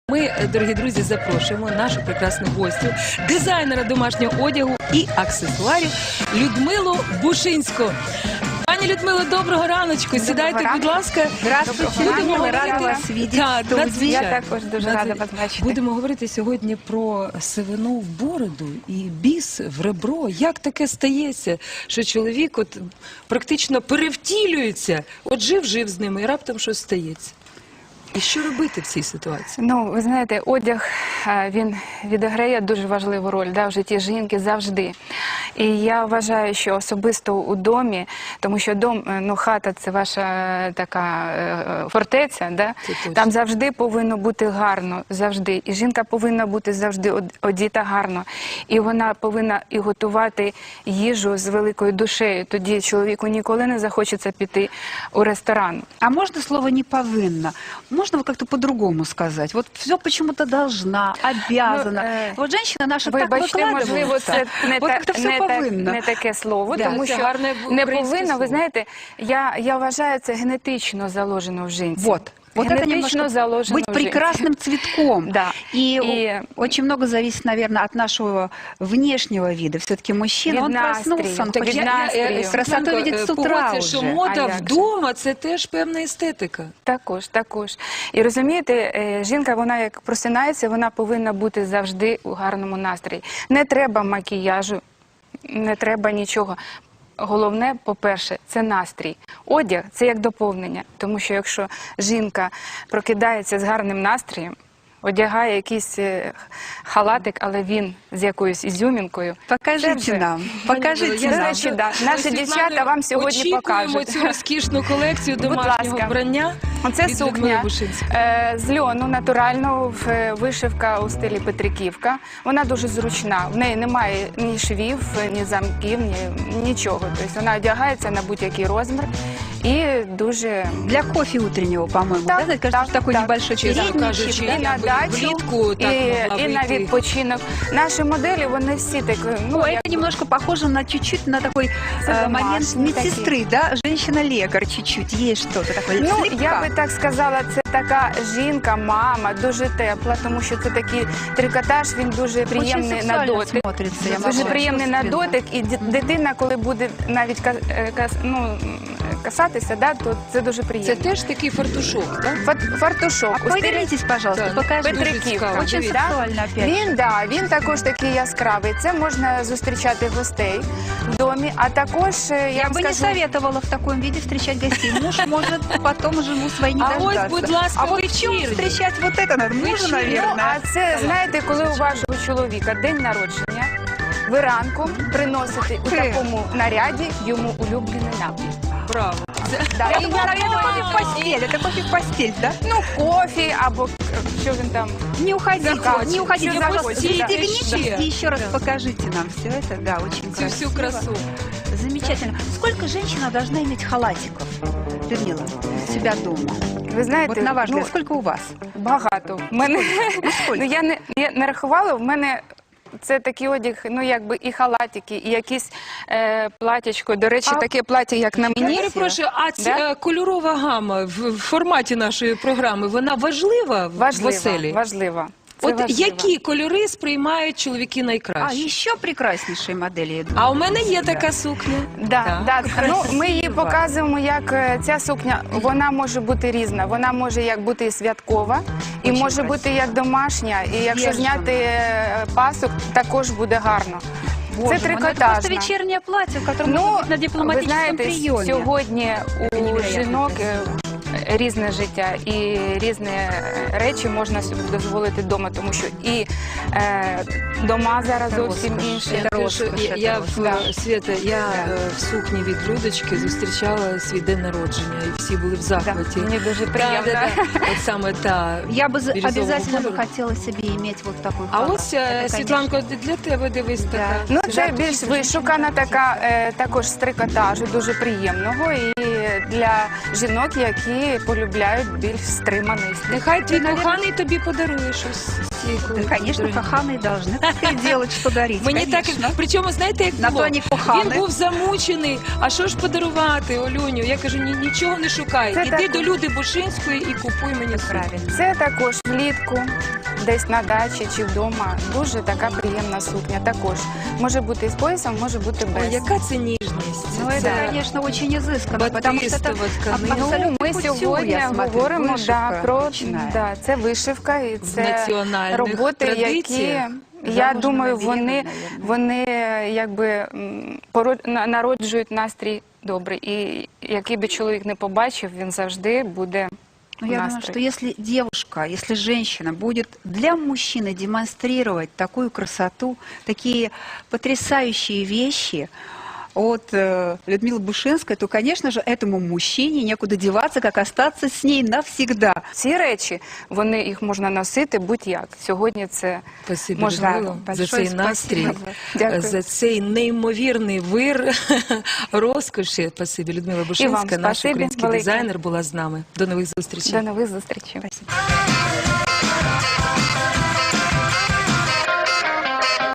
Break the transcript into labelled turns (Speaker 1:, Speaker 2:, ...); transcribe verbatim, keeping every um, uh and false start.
Speaker 1: Ми, дорогі друзі, запрошуємо нашу прекрасну гостю, дизайнера домашнього одягу і аксесуарів Людмилу Бушинську. Пані Людмило, доброго раночку.
Speaker 2: Доброго
Speaker 1: Сідайте,
Speaker 2: ранку.
Speaker 1: будь ласка.
Speaker 2: Здравствуйте,
Speaker 1: Будемо
Speaker 2: ми раді
Speaker 1: говорити-
Speaker 2: вас видіти
Speaker 1: Так,
Speaker 2: в студії.
Speaker 1: надзвичайно.
Speaker 2: Я також дуже рада вас бачити.
Speaker 1: Будемо говорити сьогодні про сивину в бороду і біс в ребро. Як таке стається, що чоловік от практично перевтілюється, от жив-жив з ними і раптом щось стається? І що робити в цій ситуації?
Speaker 2: Ну, ви знаєте, одяг, е, він відіграє дуже важливу роль, да, в житті жінки завжди. І я вважаю, що особисто у домі, тому що дом, е, ну, хата – це ваша е, така е, фортеця, да? Там завжди повинно бути гарно, завжди. І жінка повинна бути завжди од- одіта гарно. І вона повинна і готувати їжу з великою душею. Тоді чоловіку ніколи не захочеться піти у ресторан.
Speaker 3: А можно слово «не повинна»? Можно вот как-то по-другому сказать? Вот все почему-то должна, обязана.
Speaker 2: Ну, э,
Speaker 3: вот женщина наша так
Speaker 2: Вибачте, можливо,
Speaker 3: выкладывается.
Speaker 2: це не,
Speaker 3: Вот
Speaker 2: та,
Speaker 3: как-то все
Speaker 2: не, та,
Speaker 3: повинно.
Speaker 2: не таке слово,
Speaker 1: Да,
Speaker 2: тому
Speaker 1: це
Speaker 2: що
Speaker 1: гарне
Speaker 2: не
Speaker 1: українське
Speaker 2: повинно,
Speaker 1: слово.
Speaker 2: ви знаєте, я, я вважаю, це генетично заложено в жінці.
Speaker 3: Вот. Вот это
Speaker 2: Генетично
Speaker 3: немножко
Speaker 2: заложено
Speaker 3: быть
Speaker 2: в жінці.
Speaker 3: прекрасным цветком.
Speaker 2: Да.
Speaker 3: И,
Speaker 2: И-
Speaker 3: очень много зависит, наверное, от нашего внешнего вида. Все-таки мужчина,
Speaker 2: Від
Speaker 3: он
Speaker 2: настрою.
Speaker 3: проснулся, он
Speaker 2: Так
Speaker 3: хочет
Speaker 2: від настрою.
Speaker 3: красоту
Speaker 1: Світланко,
Speaker 3: видеть
Speaker 1: е,
Speaker 3: с утра
Speaker 1: погодься,
Speaker 3: уже.
Speaker 1: що мода
Speaker 2: А як же?
Speaker 1: вдома – це теж певна естетика.
Speaker 2: Також, також. І розумієте, е, жінка, вона як просинається, вона повинна бути завжди у гарному настрої. Не треба макіяжу, не треба нічого. Головне, по-перше, це настрій. Одяг – це як доповнення. Тому що якщо жінка прокидається з гарним настроєм, одягає якийсь е, халатик, але він з якоюсь ізюмінкою. це
Speaker 3: Покажите
Speaker 2: вже-
Speaker 3: нам, покажите
Speaker 2: До
Speaker 3: нам.
Speaker 2: речі, да. Наші
Speaker 1: Світлано,
Speaker 2: дівчата вам сьогодні
Speaker 1: очікуємо
Speaker 2: покажуть.
Speaker 1: цю розкішну колекцію
Speaker 2: Будь
Speaker 1: домашнього
Speaker 2: ласка.
Speaker 1: вбрання
Speaker 2: Оце
Speaker 1: від Людмили
Speaker 2: сукня
Speaker 1: Бушинської.
Speaker 2: е, з льону, натурального, в- е, вишивка у стилі Петриківка. Вона дуже зручна. В неї немає ні швів, ні замків, ні нічого. Тобто вона одягається на будь-який розмір і дуже...
Speaker 3: Для кофе утреннего, по-моему,
Speaker 2: Так,
Speaker 3: да? Кажется,
Speaker 2: так,
Speaker 3: что такой
Speaker 2: так.
Speaker 3: небольшой
Speaker 1: Чесно
Speaker 3: передничек,
Speaker 1: кажучи,
Speaker 3: да?
Speaker 2: І на
Speaker 1: я би
Speaker 2: дачу,
Speaker 1: влітку так
Speaker 2: і,
Speaker 1: могла
Speaker 2: і на
Speaker 1: вийти.
Speaker 2: відпочинок. Наші моделі, вони всі такі... Ну,
Speaker 3: Ну,
Speaker 2: як-
Speaker 3: это немножко похоже на чуть-чуть на такой
Speaker 2: Это
Speaker 3: э, момент
Speaker 2: домашний
Speaker 3: медсестры, да? Женщина-лекарь чуть-чуть, есть что-то такое.
Speaker 2: Ну,
Speaker 3: слегка.
Speaker 2: я би так сказала, це така жінка, мама, дуже тепла, тому що це такий трикотаж, він дуже приємний
Speaker 3: Очень
Speaker 2: на
Speaker 3: сексуально
Speaker 2: дотик.
Speaker 3: смотрится, я
Speaker 2: Дуже
Speaker 3: могу
Speaker 2: приємний на
Speaker 3: чувственно.
Speaker 2: дотик, і ді- дитина, коли буде навіть ка- е, кас- ну, касатися, да, то це дуже
Speaker 1: Це
Speaker 2: приємно.
Speaker 1: теж такий фартушок, так?
Speaker 2: Фат- Фартушок.
Speaker 3: А
Speaker 2: у стилі
Speaker 3: повернитесь, пожалуйста,
Speaker 1: Так.
Speaker 3: покажите.
Speaker 2: Петриківка.
Speaker 1: цікаво.
Speaker 3: Очень
Speaker 1: Дивіться.
Speaker 3: сексуально опять.
Speaker 2: Він, да, він також такий яскравий. Це можна зустрічати гостей в домі, а також, е, я,
Speaker 3: Я
Speaker 2: вам
Speaker 3: бы не
Speaker 2: скажу,
Speaker 3: советовала в таком виде встречать гостей. Муж может потом жену свою не
Speaker 1: А ось,
Speaker 3: дождаться.
Speaker 1: будь ласка,
Speaker 3: а вот в чем
Speaker 1: вечірня.
Speaker 3: встречать вот это надо? Мужа,
Speaker 1: Вечірня.
Speaker 2: Ну,
Speaker 3: наверное.
Speaker 2: а це, знаєте, коли у вашого чоловіка день народження, ви ранком приносите у
Speaker 3: Ти.
Speaker 2: такому наряді йому улюблений напій.
Speaker 1: Браво.
Speaker 2: Да,
Speaker 3: Я
Speaker 2: і
Speaker 3: думала,
Speaker 2: я-
Speaker 3: это кофе в постель, это кофе в постель, да?
Speaker 2: Ну, кофі або е, що він там.
Speaker 3: Не уходите,
Speaker 2: Захочет.
Speaker 3: не уходите,
Speaker 2: Не
Speaker 3: пожалуйста.
Speaker 2: захочет, да.
Speaker 3: Перевернитесь и еще раз покажите нам все это. Да, очень
Speaker 1: Цю всю
Speaker 3: красиво.
Speaker 1: красу.
Speaker 3: Замечательно. Сколько женщина должна иметь халатиков, Людмила, у себя дома?
Speaker 2: Ви знаєте,
Speaker 3: Вот на ваш
Speaker 2: ну,
Speaker 3: взгляд, сколько у вас?
Speaker 2: багато. В мене,
Speaker 3: Ну, сколько?
Speaker 2: ну, я, не, я не рахувала, в мене це такий одяг, ну якби і халатики, і якісь е, платячко. До речі,
Speaker 3: А-
Speaker 2: таке плаття, як на
Speaker 1: Я
Speaker 2: мені.
Speaker 1: перепрошую, а ця
Speaker 2: Да?
Speaker 1: е, кольорова гама в в форматі нашої програми, вона важлива в
Speaker 2: Важлива,
Speaker 1: оселі?
Speaker 2: важлива. Це
Speaker 1: От
Speaker 2: важливо.
Speaker 1: які кольори сприймають чоловіки
Speaker 3: А,
Speaker 1: найкраще?
Speaker 3: еще прекраснейшие модели, я думаю.
Speaker 1: А у мене є
Speaker 3: Да.
Speaker 1: така сукня.
Speaker 2: Да, да. Ну, ми її
Speaker 3: Красиво.
Speaker 2: показуємо, як е, ця сукня, вона може бути різна. Вона може як бути і святкова, і
Speaker 3: Очень
Speaker 2: може бути
Speaker 3: красиво.
Speaker 2: як домашня. І якщо
Speaker 3: Збережена.
Speaker 2: зняти е, пасок, також буде гарно.
Speaker 3: Боже
Speaker 2: це
Speaker 3: мой, ну это
Speaker 2: трикотажна.
Speaker 3: просто вечернее платье, в котором
Speaker 2: Ну,
Speaker 3: можно быть на
Speaker 2: ви
Speaker 3: дипломатическом
Speaker 2: знаєте,
Speaker 3: приеме.
Speaker 2: сьогодні у
Speaker 3: невероятно
Speaker 2: жінок е,
Speaker 3: красиво.
Speaker 2: різне життя і різні е, речі можна собі дозволити вдома, тому що і е, дома зараз
Speaker 3: Це
Speaker 2: зовсім
Speaker 3: розкош.
Speaker 2: інші.
Speaker 1: Я,
Speaker 3: Це
Speaker 1: кажу, що
Speaker 3: розкош,
Speaker 1: я,
Speaker 3: це
Speaker 1: я в
Speaker 2: розкош.
Speaker 1: Свята, я
Speaker 3: Да.
Speaker 1: е, в сукні від Людочки зустрічала свій день народження, і всі були в
Speaker 2: Да,
Speaker 1: захваті.
Speaker 2: мені дуже
Speaker 1: Да,
Speaker 2: приємно.
Speaker 1: да, да. От саме та.
Speaker 3: Я бы за-
Speaker 1: бирюзового
Speaker 3: обязательно бы
Speaker 1: кольору.
Speaker 3: хотела себе иметь вот такой
Speaker 1: А
Speaker 3: халат.
Speaker 1: ось, е,
Speaker 3: Это, конечно,
Speaker 1: Світланко, для тебе дивись
Speaker 3: Да.
Speaker 1: така.
Speaker 2: Ну, це
Speaker 3: Жарко,
Speaker 2: більш
Speaker 3: дуже
Speaker 2: вишукана така, е, також з трикотажу, дуже приємного. І для жінок, які полюбляють більш стриманий стиль.
Speaker 1: Нехай твій
Speaker 3: наверное-
Speaker 1: коханий тобі подарує щось з цієї
Speaker 3: Да,
Speaker 1: колекції.
Speaker 3: конечно, коханые должны так и делать, что дарить.
Speaker 1: Мені так,
Speaker 3: конечно.
Speaker 1: причому, знаєте, як
Speaker 3: На
Speaker 1: було?
Speaker 3: то вони кохани.
Speaker 1: Він був замучений, а що ж подарувати, Олюню? Я кажу, ні, нічого не шукай.
Speaker 2: Це
Speaker 1: Іди
Speaker 2: так.
Speaker 1: до Люди Бушинської і купуй мені сукню.
Speaker 3: Правильно.
Speaker 2: Це також влітку. десь на дачі чи вдома. Дуже така приємна сукня. Також може бути з поясом, може бути без.
Speaker 1: Ой, яка це ніжність.
Speaker 3: Ну, это,
Speaker 1: Це
Speaker 3: конечно, очень изысканно, потому что это
Speaker 1: батистова тканина.
Speaker 2: Ну,
Speaker 3: абсолютно
Speaker 2: ми
Speaker 3: кутюр,
Speaker 2: сьогодні
Speaker 3: я смотрю,
Speaker 2: говоримо да,
Speaker 3: вишивка
Speaker 2: про
Speaker 3: ручная.
Speaker 2: да, це вишивка і
Speaker 1: В
Speaker 2: це
Speaker 1: національних
Speaker 2: роботи, які
Speaker 1: традиціях.
Speaker 2: я
Speaker 3: Заложено
Speaker 2: думаю,
Speaker 3: навіяно,
Speaker 2: вони,
Speaker 3: наверное.
Speaker 2: вони якби м, пород- на- народжують настрій добрий. І який би чоловік не побачив, він завжди буде
Speaker 3: Ну,
Speaker 2: в
Speaker 3: я думаю,
Speaker 2: настрої.
Speaker 3: что если девушка, если женщина будет для мужчины демонстрировать такую красоту, такие потрясающие вещи от э, Людмилы Бушинской, то, конечно же, этому мужчине некуда деваться, как остаться с ней навсегда.
Speaker 2: Ці речі, вони їх можна носити будь-як. Сьогодні це
Speaker 1: Спасибі,
Speaker 2: можна.
Speaker 1: Людмило, за
Speaker 3: Большое
Speaker 1: цей настрій,
Speaker 3: спасибо.
Speaker 2: Дякую.
Speaker 1: за цей неймовірний вир розкоші. Спасибі, Людмила Бушинська, наш
Speaker 2: спасибі
Speaker 1: український
Speaker 2: велике.
Speaker 1: дизайнер, була з нами. До нових зустрічей.
Speaker 2: До нових зустрічей.
Speaker 3: Спасибо.